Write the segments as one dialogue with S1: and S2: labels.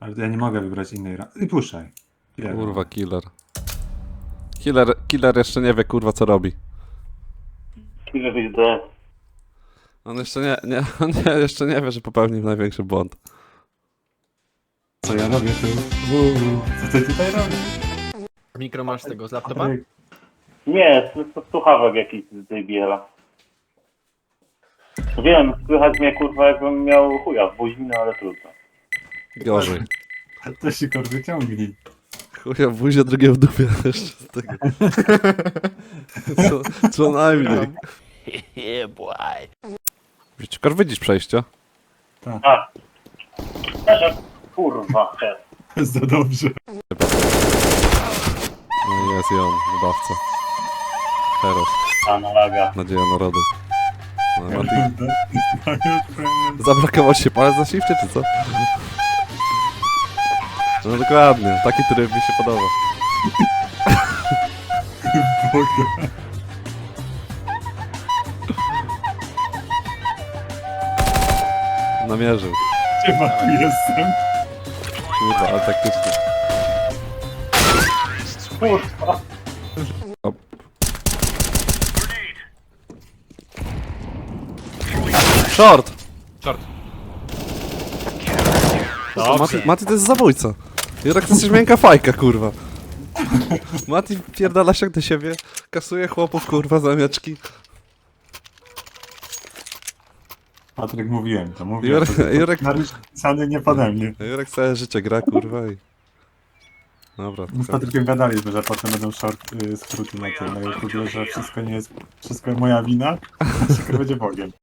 S1: Ale ja nie mogę wybrać innej I puszczaj.
S2: Kurwa, killer. Killer jeszcze nie wie, kurwa, co robi.
S3: Ile byś do...
S2: On jeszcze jeszcze nie wie, że popełnił największy błąd.
S1: Co ja robię tu? Co ty tutaj robisz?
S4: Mikro masz tego z laptopa?
S1: Patryk,
S3: Nie, to słuchawek jakiś z JBL-a. Wiem, słychać mnie kurwa jakbym miał chuja w buzi, no ale trudno.
S2: Gorzej.
S1: to się kurwy ciągnij.
S2: Chuja w buzie, drugie w dupie jeszcze z tego. Co najmniej. Wiecie, widzisz przejście?
S3: A! Też kurwa, też.
S1: Jest to dobrze.
S2: No i jest i on, wybawca. Heros,
S3: Analaga.
S2: nadzieja narodu. No, Mati, zablokował się palec za shifcie, czy co? No dokładnie, taki tryb mi się podoba.
S1: Boga.
S2: Namierzył.
S1: Chyba tu jestem.
S2: Kurwa, ale taktycznie.
S3: Kurwa.
S2: Op. Short!
S4: Short.
S2: Mati to jest zabójca. Jurek to jest miękka fajka, kurwa. Mati pierdala się do siebie, kasuje chłopów, kurwa, zamiaczki.
S1: Patryk, mówiłem to, mówiłem.
S2: Jurek,
S1: Napisany nie pode mnie.
S2: Jurek całe życie gra, kurwa i... Dobra,
S1: Z Patrykiem gadaliśmy, że potem będą skróty na tym, na YouTube, że wszystko nie jest, wszystko moja wina, a wszystko będzie Bogiem.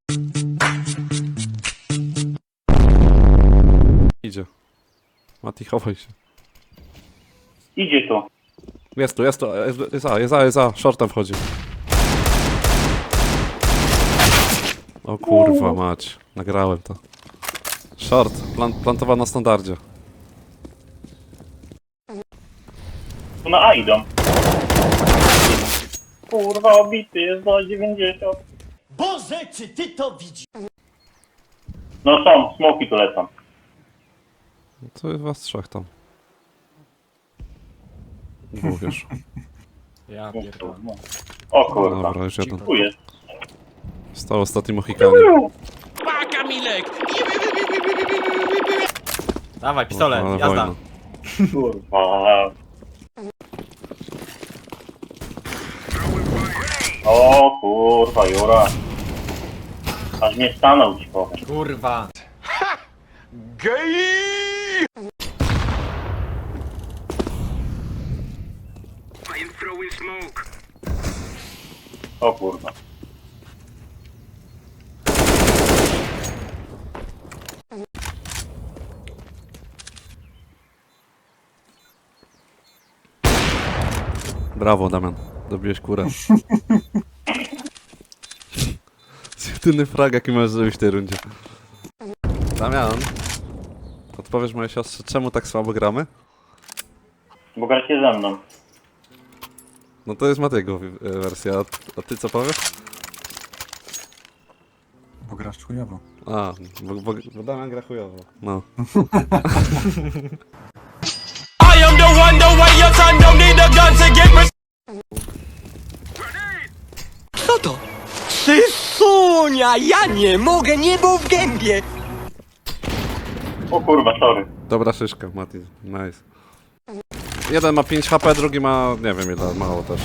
S2: idzie. Mati, chowaj się.
S3: Idzie tu.
S2: Jest tu, jest A, shortem wchodzi. O kurwa mać, nagrałem to. Short, plantował na standardzie.
S3: Tu na A idą. Kurwa, obity jest do 90.
S5: Boże, czy ty to widzisz?
S3: No są, smoki tu lecą.
S2: To jest was trzech tam. Dwóch już.
S4: Ja pierdolę.
S3: O kurwa.
S2: Dobra, już jeden.
S3: Tu jest.
S2: Stał ostatni Mohikanin.
S4: Dawaj, pistolet,
S2: Ale
S4: jazda.
S2: wojna.
S3: Kurwa. O kurwa, Jura. Aż mnie stanął, ci powiem.
S4: Kurwa.
S3: O kurwa.
S2: Brawo, Damian. Dobiłeś kurę. To jedyny frag, jaki możesz zrobić w tej rundzie. Damian, odpowiesz mojej siostrze, czemu tak słabo gramy?
S3: Bo gracie ze mną.
S2: No to jest Matiego wersja, a ty co powiesz?
S1: Bo grasz chujowo.
S2: A, bo Damian gra chujowo. No.
S5: I am the one, the way your son don't need a gun to get Co to? Sysunia, ja nie mogę, niebo w gębie!
S3: O kurwa, sorry.
S2: Dobra szyszka, Mati, nice. Jeden ma 5 HP, drugi ma, nie wiem ile, mało też.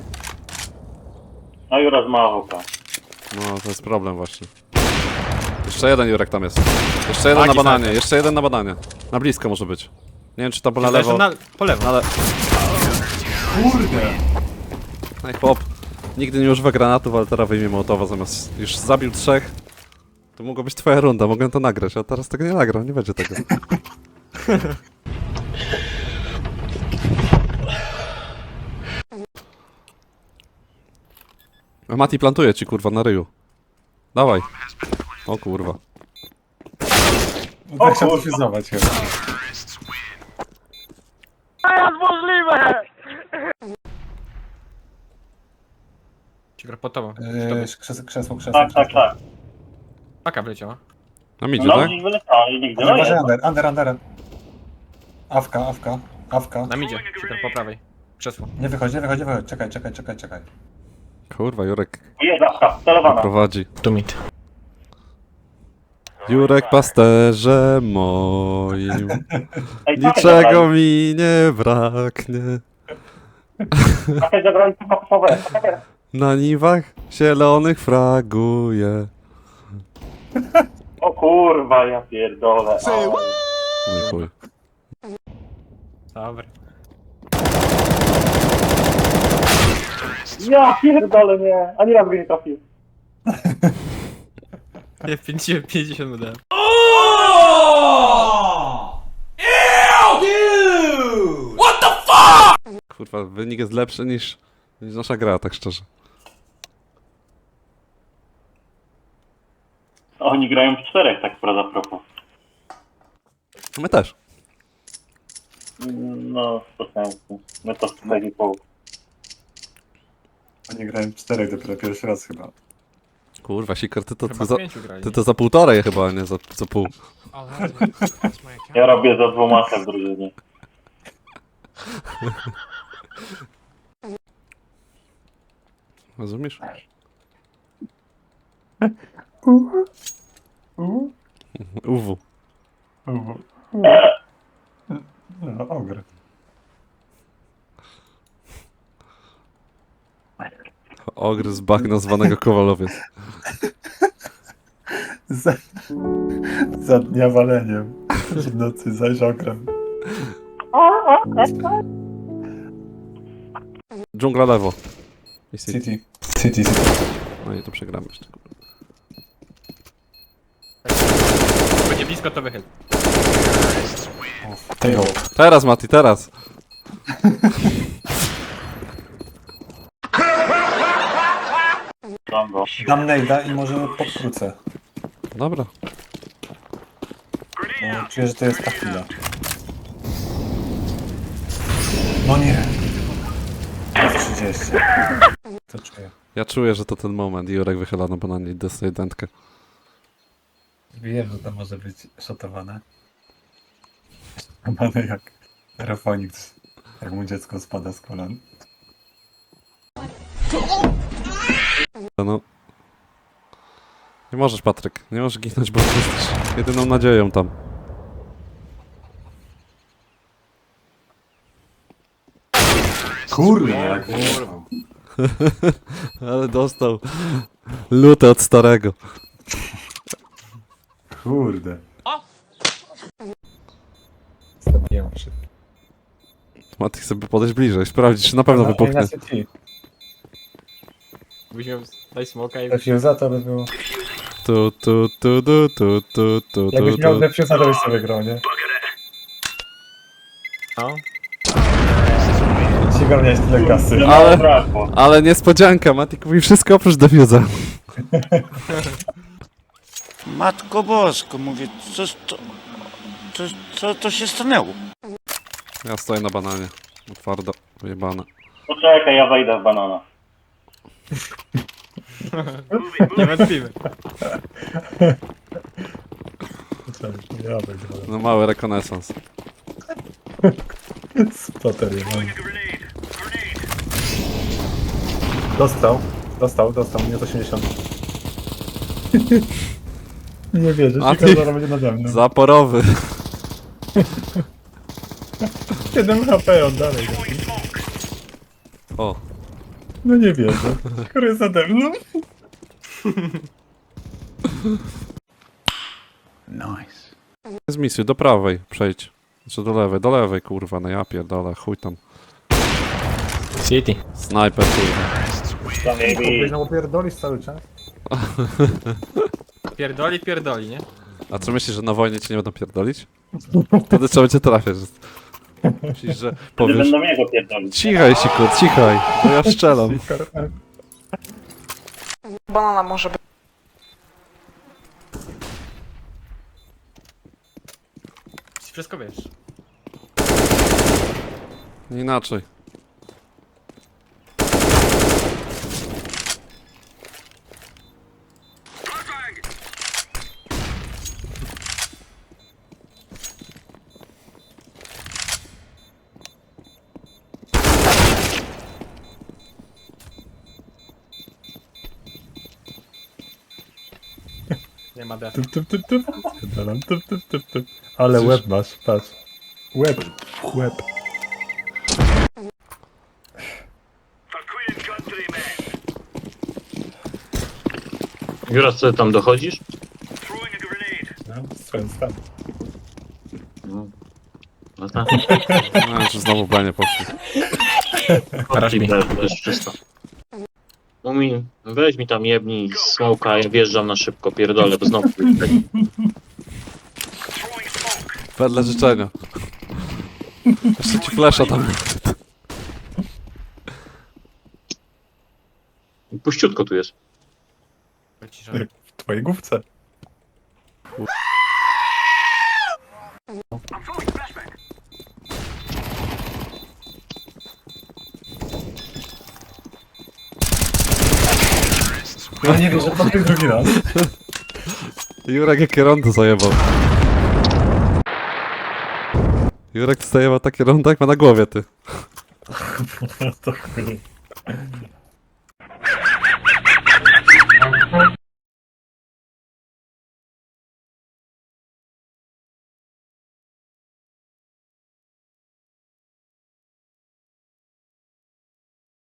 S3: No Jura z Machoka.
S2: No, to jest problem właśnie. Jeszcze jeden Jurek tam jest. Jeszcze jeden na
S4: Taki
S2: bananie,
S4: snajper.
S2: jeszcze jeden na bananie. Na blisko może być. Nie wiem czy tam na
S4: Leży
S2: lewo.
S4: po lewo.
S2: Ale...
S1: Kurde!
S2: No i chłop. Nigdy nie używa granatów, ale teraz wyjmie Mołotowa zamiast... Już zabił 3. To mogła być twoja runda, mogłem to nagrać, a teraz tego nie nagram, nie będzie tego. A Mati plantuje ci kurwa na ryju. Dawaj. O kurwa.
S1: No tak chciał dofizować chyba.
S4: Ci gra pod tobą.
S1: Krzesło.
S3: Tak, tak, tak.
S4: Paka wleciała.
S2: Na midzie,
S3: No
S2: tak?
S3: gdzieś wyleciał, ale nigdy. No
S1: Uważaj,
S3: jest.
S1: under. Awka.
S4: Nam idzie, Secret po prawej. Krzesło.
S1: Nie wychodź. Czekaj.
S2: Kurwa, Jurek
S3: Jest zawka, celowana.
S2: prowadzi.
S4: Tu mid.
S2: Jurek pasterze moim,
S3: Ej,
S2: niczego mi nie braknie.
S3: Pakę zabrali pakowe.
S2: Na niwach zielonych fraguje.
S3: O kurwa, ja pierdolę. O.
S2: No i chuj.
S4: Dobra.
S3: Ja pierdolę, nie. Ani raz go nie trafił.
S4: Nie, 50 wydałem.
S2: Kurwa, wynik jest lepszy niż nasza gra, tak szczerze.
S3: Oni grają w 4, tak prawda, propos.
S2: My też.
S3: No, to sensu. My to 4,5.
S1: Oni grają w 4 dopiero pierwszy raz chyba.
S2: Kurwa, Sikor,
S4: Chyba z 5 grali.
S2: ty to za półtorej chyba, a nie za pół.
S3: Ja robię za 2 w drużynie.
S2: Rozumiesz? Uwu.
S1: No, ogry.
S2: Ogry z bagna zwanego Kowalowiec.
S1: Za dnia waleniem. W nocy zaś okrem.
S2: Dżungla lewo. I City.
S1: City.
S2: No i to przegramy jeszcze.
S4: Będzie blisko, to wychyl.
S1: Tego.
S2: Teraz, Mati, teraz!
S3: Mam go.
S1: Dam nejda i może podkrócę.
S2: Dobra.
S1: Bo czuję, że to jest ta chwila. No nie. 30. To czuję.
S2: Ja czuję, że to ten moment. Jurek wychyla na bananie i dostaje dętkę.
S1: Wiem, że to może być szotowane. Szotowane jak Rafonix. Jak mu dziecko spada z kolan.
S2: No. Nie możesz, Patryk. Nie możesz ginąć, bo jesteś jedyną nadzieją tam.
S1: Kurde, jak
S2: Ale dostał lutę od starego.
S1: Kurde.
S2: Mati chce podejść bliżej, sprawdzić, czy na pewno wybuchnie.
S4: Byś miał, daj smoka i...
S1: Defuza to by było.
S2: Tu.
S1: Jakbyś miał defuza, to byś sobie grał, nie?
S4: No.
S1: Cigar miałeś tyle kasy.
S2: Ale-
S3: Brakło.
S2: Ale niespodzianka, Mati kupi wszystko oprócz defuza.
S6: Matko Bosko, mówię, co to się stanęło?
S2: Ja stoję na bananie. Twardo, wyjebane.
S3: Poczekaj, ja wejdę w banana.
S4: Nie wątpimy.
S1: Ja wygrałem.
S2: No mały rekonesans.
S1: Spotter jeden. Dostał, minus 80. Nie wierzę,
S2: A
S1: Cigar
S2: ty-
S1: zaraz będzie nade mną.
S2: Zaporowy.
S1: 7 HP on dalej.
S2: O,
S1: No nie wierzę. Cigar jest nade mną.
S2: z misji, do prawej przejdź. Czy do lewej, kurwa, no ja pierdolę, chuj tam.
S4: City.
S2: Snajper, kurwa.
S3: Maybe.
S1: No pierdolisz cały czas.
S4: Pierdoli, nie?
S2: A co myślisz, że na wojnie cię nie będą pierdolić? Wtedy trzeba cię trafiać. Myślisz, że
S3: Nie
S2: powiesz...
S3: będą mnie go pierdolić.
S2: Cichaj, Siku, cichaj, bo ja strzelam.
S7: Banana może być.
S4: Wszystko wiesz.
S2: Inaczej.
S4: ma def.
S1: Typ, typ, typ, typ. Spierdalam, typ, typ, typ, typ. Ale
S2: Coś-
S1: łeb masz, patrz. Łeb, łeb.
S7: Jura, co ty tam dochodzisz?
S1: No, swoim stan.
S7: No. No tak.
S2: No, czy znowu planie poszli.
S4: Paraż mi.
S7: To jest czysto. Mumi, weź mi tam jebnij smoka, ja wjeżdżam na szybko, pierdolę, bo znowu...
S2: Wedle życzenia. Jeszcze ci flesza tam.
S7: Puściutko tu jest.
S4: Cisza.
S1: W twojej główce. Ja nie wierzę, po tym drugi raz.
S2: Jurek jakie rondo zajebał. Jurek zajebał takie rondo jak ma na głowie, ty.
S1: To chuj.